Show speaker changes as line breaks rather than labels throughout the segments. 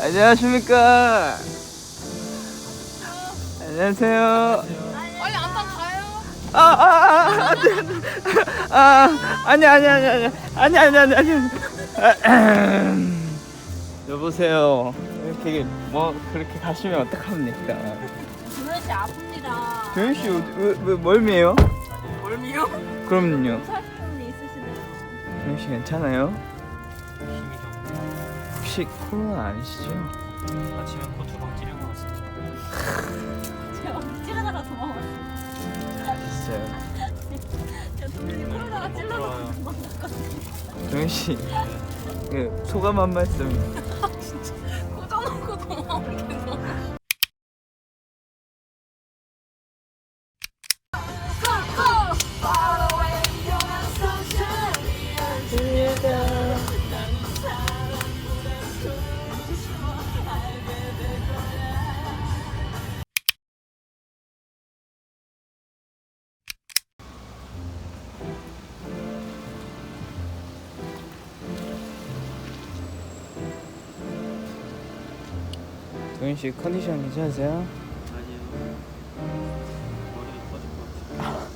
안녕하십니까. 안녕하세요.
빨리 안방 가요.
아니. 여보세요. 이렇게 뭐 그렇게 가시면 어떡합니까?
준현 씨 아픕니다.
도현 씨 왜 멀미예요?
멀미요?
그럼요.
살균이 있으시네요.
도현 씨 괜찮아요?
힘이 좀
혹시 코로나 아니시죠?
아침에 코 2방 찌른 것 같습니다.
제가 찌르다가 도망갔어요.
진짜요.
제가 동생이 코로나가 찔러서
부러워요.
도망갔거든요.
도현 씨, 그 소감 한 말씀.
꽂아놓고 도망가겠어.
도현 씨 컨디션 괜찮으세요?
아니요. 머리 터질 것 같아요.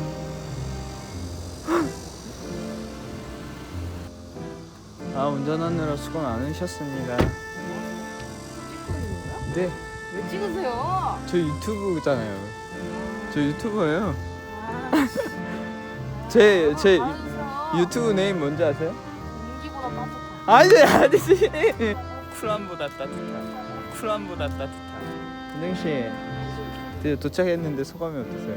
운전하느라 수고 많으셨습니다. 네,
왜 찍으세요?
저 유튜브잖아요. 저 유튜버예요.
아,
제
알았어.
유튜브 네임 뭔지 아세요?
공기보다 따뜻한.
아니지. 쿨함보다 따뜻한. 쿨함보다 따뜻한. 은정 씨, 드디어 도착했는데 소감이 어떠세요?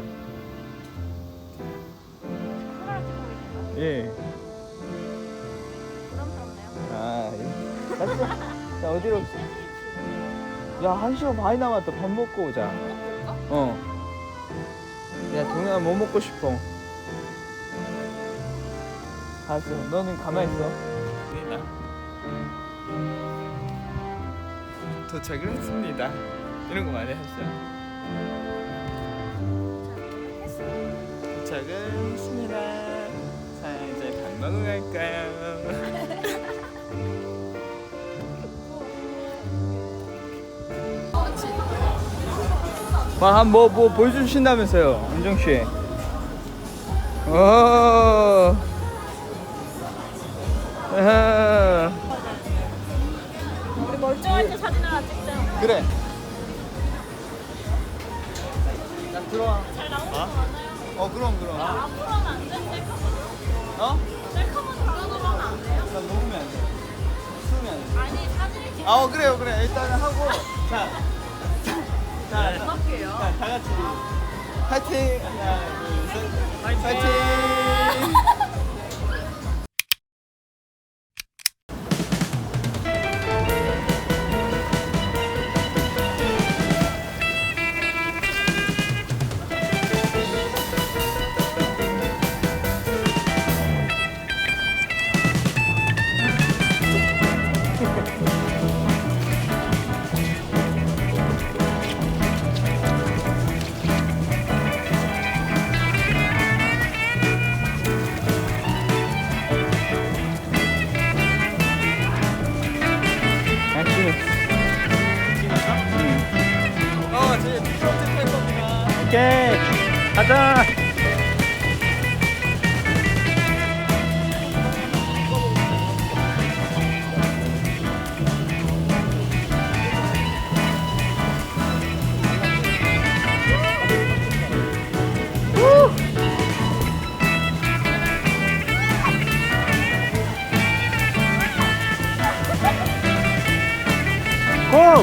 카메라 찍고 계신가요?
예.
부담스럽네요.
예. 갔어. 자, 어디로? 야, 1시간 반이 남았다. 밥 먹고 오자. 어. 야, 동현아 뭐 먹고 싶어? 알았어. 너는 가만히 있어. 도착을 했습니다. 이런 거 많이 하시죠. 도착을 했습니다. 자, 이제 밥 먹으러 갈까요? 뭐 보여주신다면서요, 은정 씨.
우리 멀쩡할 때 사진 하나 찍자.
그래. 자, 들어와.
잘 나오는 거 많아요.
그럼.
앞으로 하면 안 돼?
어?
셀카만 달아놓으면 안 돼요?
나 녹으면 안 돼. 쓰면 안 돼.
아니 사진을 찍어.
그래. 일단은 하고. 자,
할게요.
다 같이. 파이팅! 하나, 둘, 셋. 파이팅! 오케이, 가자. 고!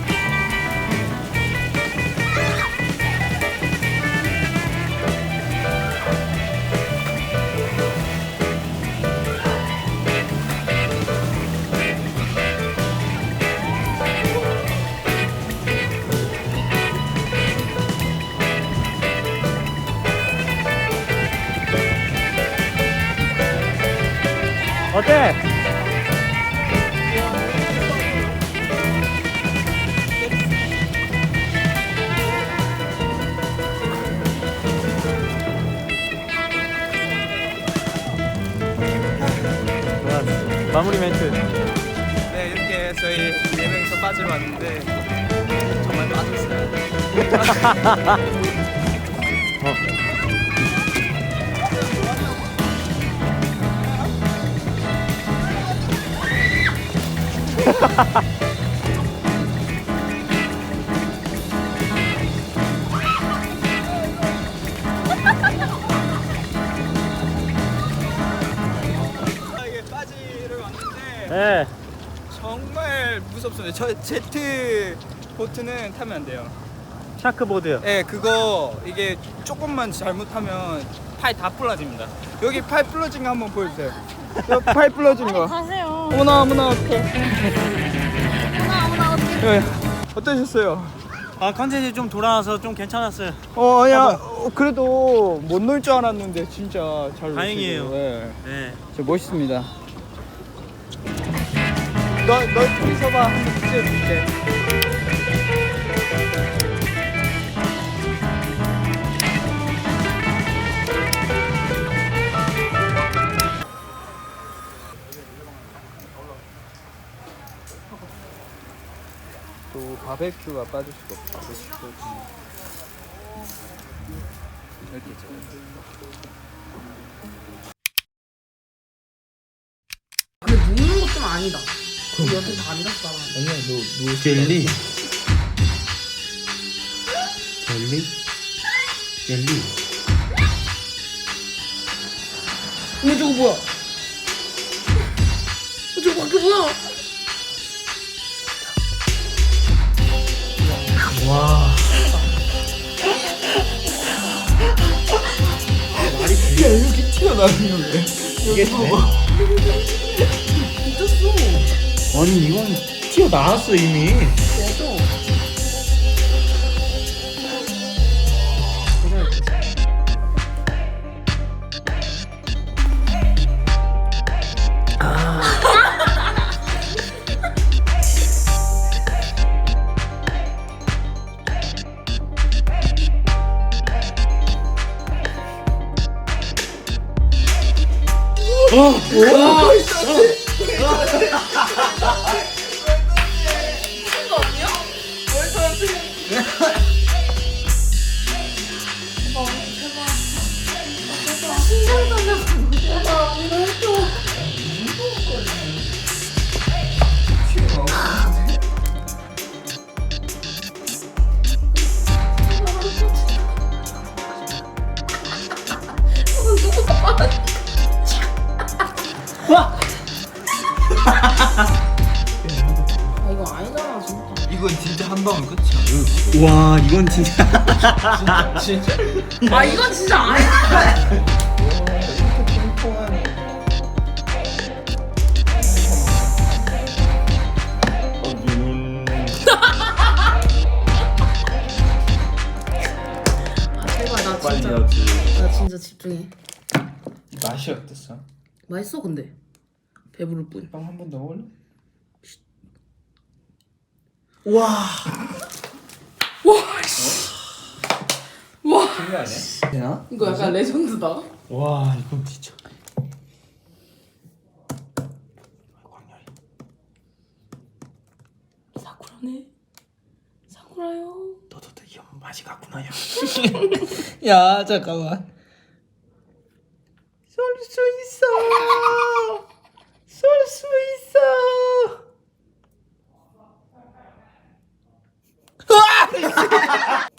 어때? 마무리 멘트. 네, 이렇게 저희 4명이서 빠지러 왔는데 정말 빠졌어요. 이게 빠지러 왔는데
네.
정말 무섭습니다. 저 제트 보트는 타면 안 돼요.
샤크보드요.
네, 그거 이게 조금만 잘못하면 팔 다 부러집니다. 여기 팔 부러진 거 한번 보여주세요. 여기 팔 부러진 거.
가세요.
어머나 어머나 어떡해.
어머나 어떡해.
어떠셨어요?
아 컨텐츠 좀 돌아와서 좀 괜찮았어요.
아니야. 그래도 못 놀 줄 알았는데 진짜 잘
다행이에요.
노시고. 네.
네.
진짜 멋있습니다. 너 둘이서 봐. 한번 찍어줄게. 또 바베큐가 빠질 수가 없어. 바베큐. 이렇게 있죠.
근데 눕는 것 좀 아니다. 여태 다 앉았잖아.
아니야, 너
젤리. 젤리? 젤리.
어머 저거 뭐야? 저거 밖에 뭐야?
와.
야, 이렇게 튀어나오는 왜? 이게 돼?
미쳤어.
아니 이건 튀어나왔어 이미.
맞아. 아 이거 아니잖아 진짜.
이건 진짜 한 방울 끝이야.
와 이건 진짜.
진짜.
아 이건 진짜 아니야.
이렇게 통통한.
아 제발 나 진짜. 나 진짜 집중해.
맛이 어땠어?
맛있어 근데. 배부를 뿐.
빵 한 번 더 먹을래?
와. 와 씨. 와.
그게 아니야? 되나?
이거 약간 레전드다.
와 이건 진짜.
사쿠라네. 사쿠라요.
너도 이 맛이 같구나 야.
야, 잠깐만. 쏠 수 있어. 쏠 수 있어.